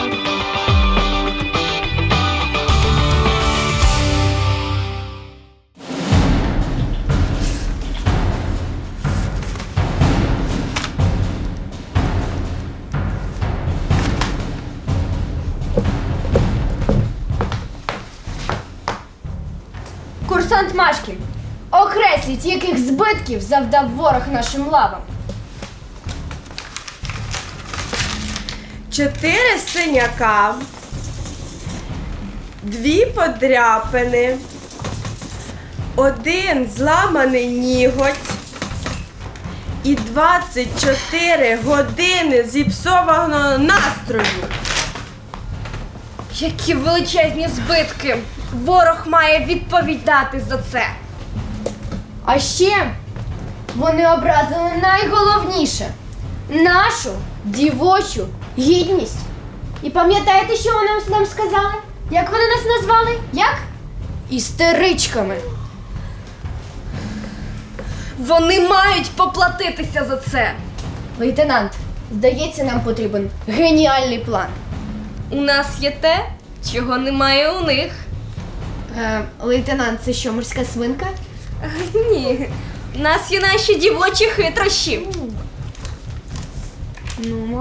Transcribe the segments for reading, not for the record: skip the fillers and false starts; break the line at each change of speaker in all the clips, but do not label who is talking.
Курсант Машкін, окресліть, яких збитків завдав ворог нашим лавам.
4 синяка, 2 подряпини, 1 зламаний ніготь і 24 години зіпсованого настрою.
Які величезні збитки! Ворог має відповідати за це. А ще вони образили найголовніше – нашу дівочу гідність. І пам'ятаєте, що вони нам сказали? Як вони нас назвали? Як? Істеричками. Вони мають поплатитися за це. Лейтенант, здається, нам потрібен геніальний план. У нас є те, чого немає у них. Лейтенант, це що, морська свинка? Ні, у нас є наші дівочі хитрощі. Ну.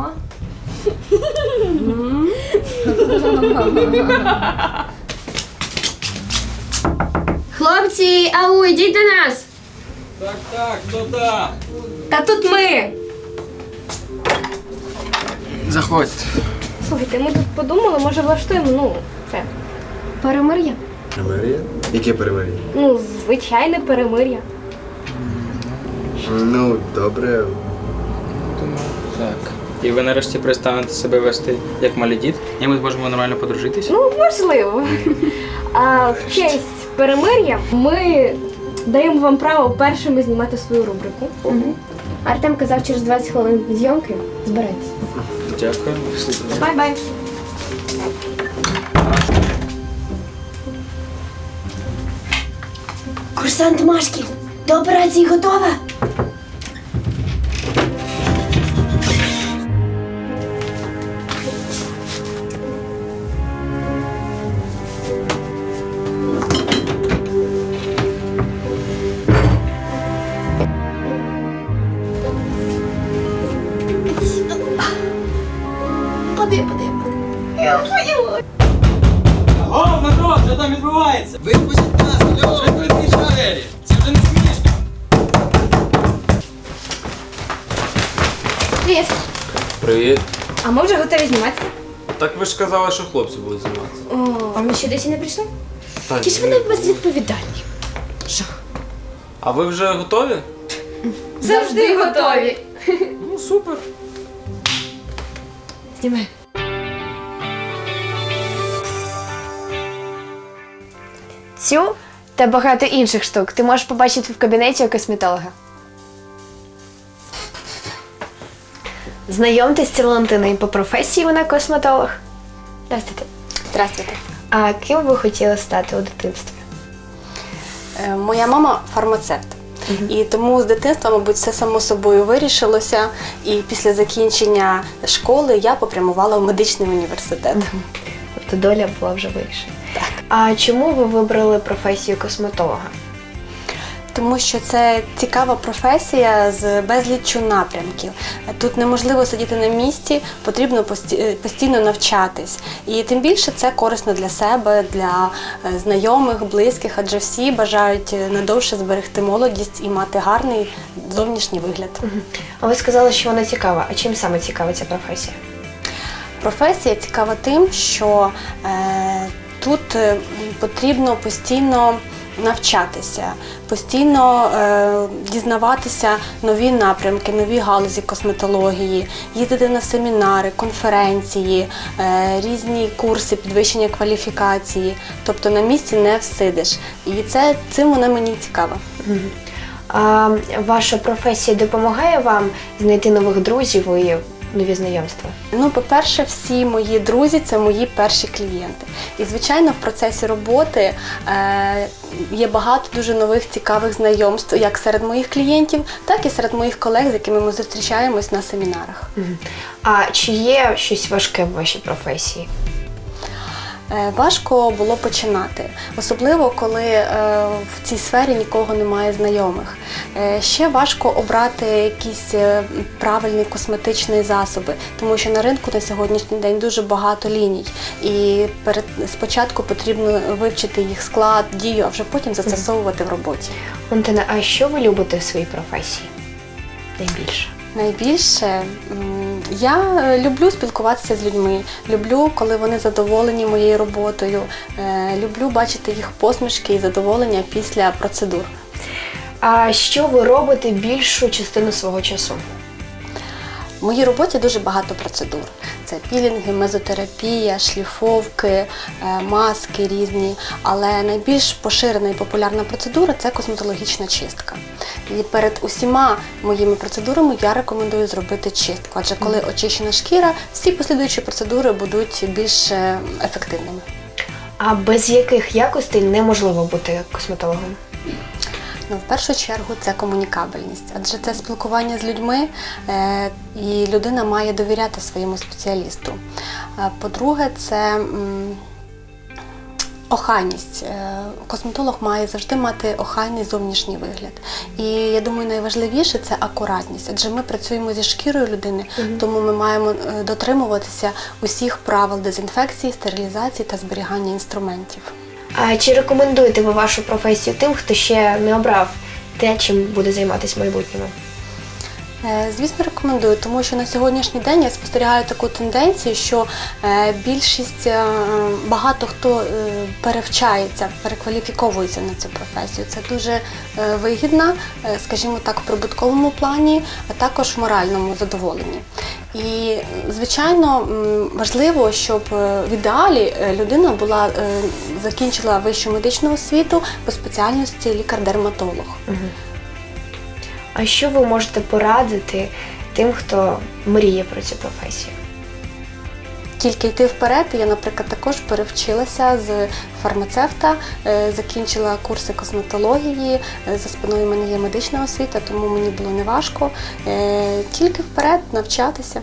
Хлопці, ау, йдіть до нас.
Так, хто там?
Та тут ми.
Заходьте.
Слухайте, ми тут подумали, може влаштуємо, це, перемир'я.
Перемир'я? Яке перемир'я?
Звичайне перемир'я.
Ну, добре.
Так. І ви нарешті перестанете себе вести як малі діти? І ми зможемо нормально подружитися?
Можливо. А в честь перемир'я ми даємо вам право першими знімати свою рубрику. Артем казав, через 20 хвилин зйомки збирайтесь.
Дякую.
Бай-бай. Курсант Машкін, до операції готова? Поди. Я поняла.
О, народ, що там відбувається? Випустіть нас, алло! Вже відкриті двері! Це вже не смішно!
Привіт.
Привіт.
А ми вже готові зніматися?
Так ви ж казали, що хлопці будуть зніматися.
А ми ще досі не прийшли?
Так,
Чи ж вони безвідповідальні?
А ви вже готові?
Завжди готові.
Ну, супер.
Знімай. Цю та багато інших штук ти можеш побачити в кабінеті у косметолога. Знайомтесь, це Валентина, і по професії вона косметолог. Здравствуйте.
Здравствуйте.
А ким ви хотіли стати у дитинстві?
Моя мама фармацевт. І тому з дитинства, мабуть, все само собою вирішилося. І після закінчення школи я попрямувала в медичний університет.
Тобто доля була вже вирішена.
Так.
А чому ви вибрали професію косметолога?
Тому що це цікава професія з безліччю напрямків. Тут неможливо сидіти на місці, потрібно постійно навчатись. І тим більше це корисно для себе, для знайомих, близьких, адже всі бажають надовше зберегти молодість і мати гарний зовнішній вигляд.
А ви сказали, що вона цікава. А чим саме цікава ця професія?
Професія цікава тим, що тут потрібно постійно навчатися, постійно дізнаватися нові напрямки, нові галузі косметології, їздити на семінари, конференції, різні курси підвищення кваліфікації. Тобто на місці не всидиш. І цим вона мені цікава.
А ваша професія допомагає вам знайти нових друзів і
нові знайомства?
Ну, по-перше, всі мої друзі – це мої перші клієнти. І, звичайно, в процесі роботи є багато дуже нових цікавих знайомств, як серед моїх клієнтів, так і серед моїх колег, з якими ми зустрічаємось на семінарах.
А чи є щось важке в вашій професії?
Важко було починати, особливо коли в цій сфері нікого немає знайомих. Ще важко обрати якісь правильні косметичні засоби, тому що на ринку на сьогоднішній день дуже багато ліній. І спочатку потрібно вивчити їх склад, дію, а вже потім застосовувати в роботі.
Валентина, а що ви любите в своїй професії найбільше?
Найбільше я люблю спілкуватися з людьми, люблю, коли вони задоволені моєю роботою, люблю бачити їх посмішки і задоволення після процедур.
А що ви робите більшу частину свого часу?
В моїй роботі дуже багато процедур. Це пілінги, мезотерапія, шліфовки, маски різні. Але найбільш поширена і популярна процедура – це косметологічна чистка. І перед усіма моїми процедурами я рекомендую зробити чистку. Адже коли очищена шкіра, всі послідуючі процедури будуть більш ефективними.
А без яких якостей неможливо бути косметологом?
Ну, в першу чергу це комунікабельність, адже це спілкування з людьми, і людина має довіряти своєму спеціалісту. По-друге, це охайність. Косметолог має завжди мати охайний зовнішній вигляд. І я думаю, найважливіше – це акуратність, адже ми працюємо зі шкірою людини, тому ми маємо дотримуватися усіх правил дезінфекції, стерилізації та зберігання інструментів.
А чи рекомендуєте ви вашу професію тим, хто ще не обрав те, чим буде займатися в майбутньому?
Звісно, рекомендую, тому що на сьогоднішній день я спостерігаю таку тенденцію, що багато хто перевчається, перекваліфіковується на цю професію. Це дуже вигідно, скажімо так, в прибутковому плані, а також в моральному задоволенні. І, звичайно, важливо, щоб в ідеалі людина закінчила вищу медичну освіту по спеціальності лікар-дерматолог.
А що ви можете порадити тим, хто мріє про цю професію?
Тільки йти вперед. Я, наприклад, також перевчилася з фармацевта, закінчила курси косметології, за спиною в мене є медична освіта, тому мені було неважко. Тільки вперед навчатися.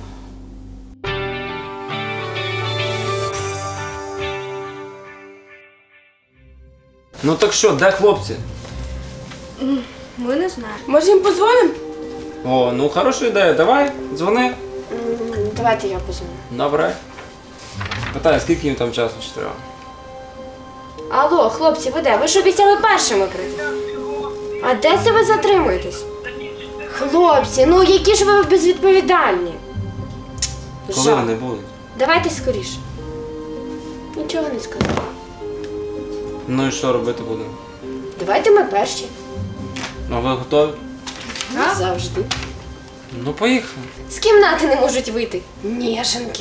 Ну так що, де хлопці?
Ми не знаємо.
Може їм подзвонимо?
О, ну хороша ідея, давай, дзвони.
Давайте я позвоню.
Добре. Питаю, скільки їм там часу ще треба?
Алло, хлопці, ви де? Ви ж обіцяли першими прийти. А де це ви затримуєтесь? Хлопці, ну які ж ви безвідповідальні.
Коли
Жах.
вони будуть?
Давайте скоріше. Нічого не скажу.
Ну і що робити будемо?
Давайте ми перші.
Ну ви готові?
Завжди.
Ну поїхали.
З кімнати не можуть вийти. Ніженки.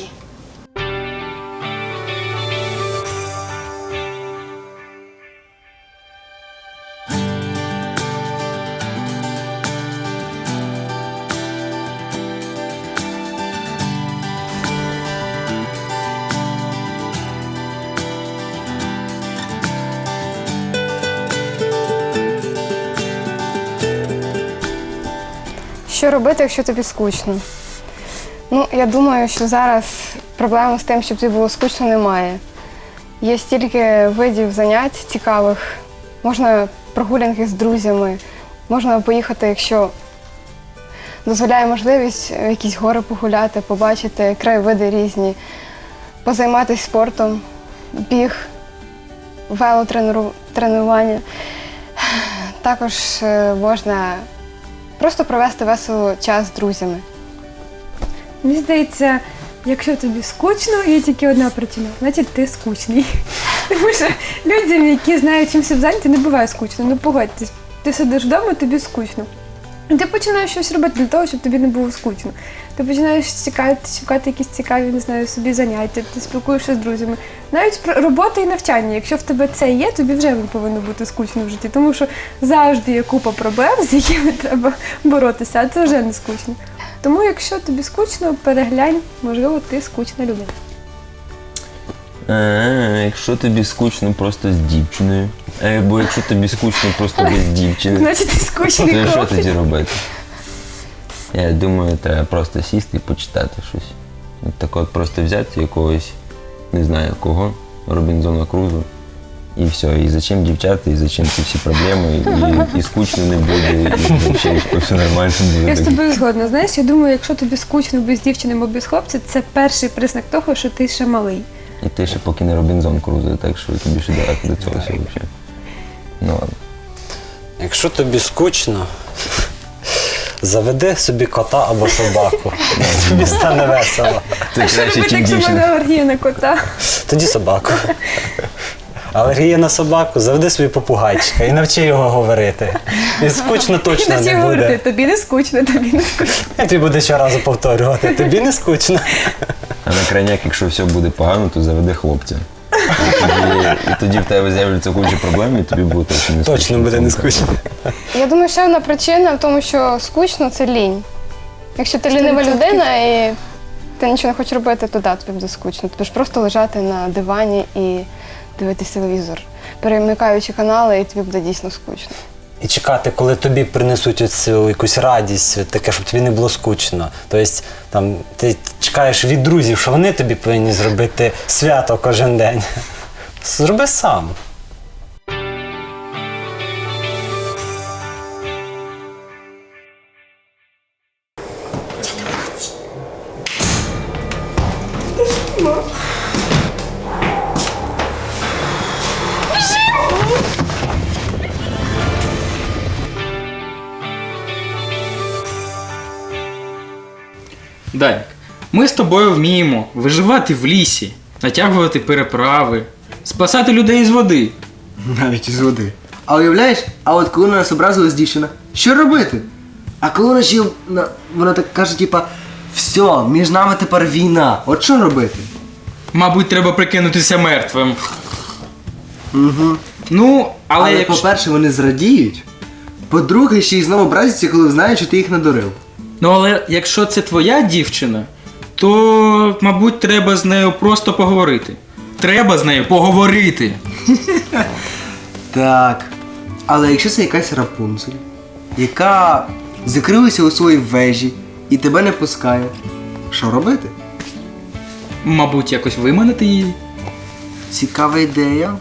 Що робити, якщо тобі скучно? Ну, я думаю, що зараз проблеми з тим, щоб тобі було скучно, немає. Є стільки видів занять цікавих. Можна прогулянки з друзями, можна поїхати, якщо дозволяє можливість, в якісь гори погуляти, побачити краєвиди різні, позайматися спортом, біг, велотренування. Також можна просто провести весело час з друзями.
Мені здається, якщо тобі скучно, є тільки одна причина, значить ти скучний. Тому що людям, які знають, чим себе зайняти, не буває скучно. Ну погодьтесь, ти сидиш вдома, тобі скучно. І ти починаєш щось робити для того, щоб тобі не було скучно. Ти починаєш шукати якісь цікаві, не знаю, собі заняття, ти спілкуєшся з друзями. Навіть робота і навчання, якщо в тебе це є, тобі вже не повинно бути скучно в житті, тому що завжди є купа проблем, з якими треба боротися, а це вже не скучно. Тому, якщо тобі скучно, переглянь, можливо, ти скучна людина.
Якщо тобі скучно просто з дівчиною, або якщо тобі скучно просто без дівчини,
Значить, ти скучний
то що
хлопець.
тоді робити? Я думаю, треба просто сісти і почитати щось. Так от просто взяти якогось, не знаю кого, Робінзона Крузо, і все. І зачем дівчата, і зачем ці всі проблеми, і скучно не буде, і взагалі все нормально буде.
Я з тобою згодна. Знаєш, я думаю, якщо тобі скучно без дівчини або без хлопця, це перший признак того, що ти ще малий.
І ти ще поки не Робінзон Крузо, так що тобі ще далеко до цього всього взагалі. Ну ладно.
Якщо тобі скучно, заведи собі кота або собаку. Тобі стане весело.
Це краще,
Робити,
ніж
якщо в мене
дівчина.
алергія на кота.
Тоді собаку. Алергія на собаку, заведи собі попугайчика і навчи його говорити. І скучно точно
Іноді
не
говорити,
буде.
тобі не скучно, тобі не скучно.
І ти буде щоразу повторювати, тобі не скучно.
А на крайняк, якщо все буде погано, то заведи хлопця. І тоді в тебе з'являться куча проблем, і тобі буде точно не скучно.
Точно буде не скучно.
Я думаю, ще одна причина в тому, що скучно це лінь. Якщо ти лінива людина і ти нічого не хочеш робити, то да, тобі буде скучно. Тобі ж просто лежати на дивані і дивитися телевізор, перемикаючи канали, і тобі буде дійсно скучно.
І чекати, коли тобі принесуть оцю якусь радість, таке, щоб тобі не було скучно. Тобто, там, ти чекаєш від друзів, що вони тобі повинні зробити свято кожен день. Зроби сам.
Данік, ми з тобою вміємо виживати в лісі, натягувати переправи, спасати людей з води.
Навіть із води. А уявляєш, а от коли на нас образилась дівчина, що робити? А коли вона ще вона так каже, типа, все, між нами тепер війна. От що робити?
Мабуть, треба прикинутися мертвим.
Угу.
Ну, але
Але
якщо...
по-перше, вони зрадіють. По-друге, ще й знову образяться, коли знають, що ти їх надурив.
Ну, але якщо це твоя дівчина, то, мабуть, треба з нею просто поговорити. Треба з нею поговорити.
Так. Але якщо це якась Рапунцель, яка закрилася у своїй вежі і тебе не пускає, що робити?
Мабуть, якось виманити її.
Цікава ідея.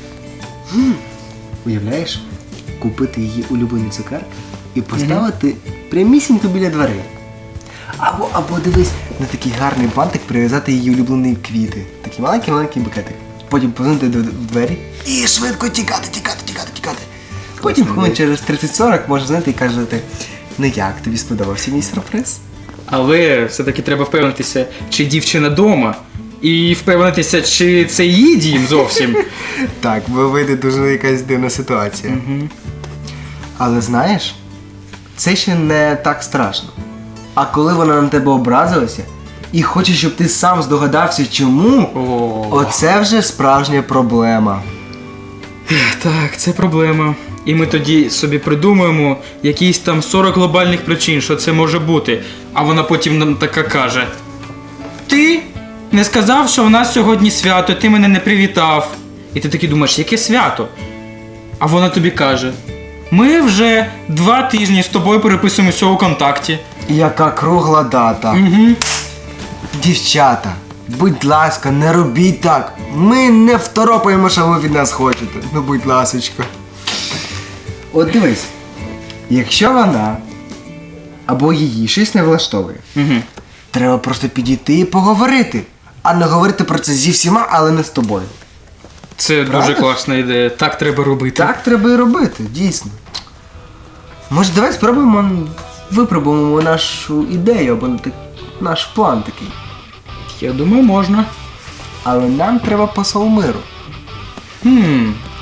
Уявляєш, купити її улюблені цукерки і поставити прямісінько біля дверей. Або дивись, на такий гарний бантик прив'язати її улюблені квіти. Такий маленький букетик. Потім позвонити в двері і швидко тікати. Потім хвилин через 30-40 може дзвонити і казати, ну як, тобі сподобався мій сюрприз?
Але все-таки треба впевнитися, чи дівчина дома. І впевнитися, чи це її дім зовсім.
Так, бо вийде дуже якась дивна ситуація. Але знаєш, це ще не так страшно. А коли вона на тебе образилася і хоче, щоб ти сам здогадався чому, оце вже справжня проблема.
Так, це проблема. І ми тоді собі придумаємо якісь там 40 глобальних причин, що це може бути. А вона потім нам така каже: ти не сказав, що в нас сьогодні свято, ти мене не привітав. І ти такий думаєш, яке свято? А вона тобі каже: ми вже 2 тижні з тобою переписуємося у контакті.
Яка кругла дата.
Угу.
Дівчата, будь ласка, не робіть так. Ми не второпаємо, що ви від нас хочете. Ну, будь ласочка. От дивись, якщо вона або її щось не влаштовує, треба просто підійти і поговорити. А не говорити про це зі всіма, але не з тобою.
Це дуже класна ідея. Так треба робити.
Так треба і робити, дійсно. Може, давай спробуємо, випробуємо нашу ідею або наш план такий.
Я думаю, можна.
Але нам треба посол миру.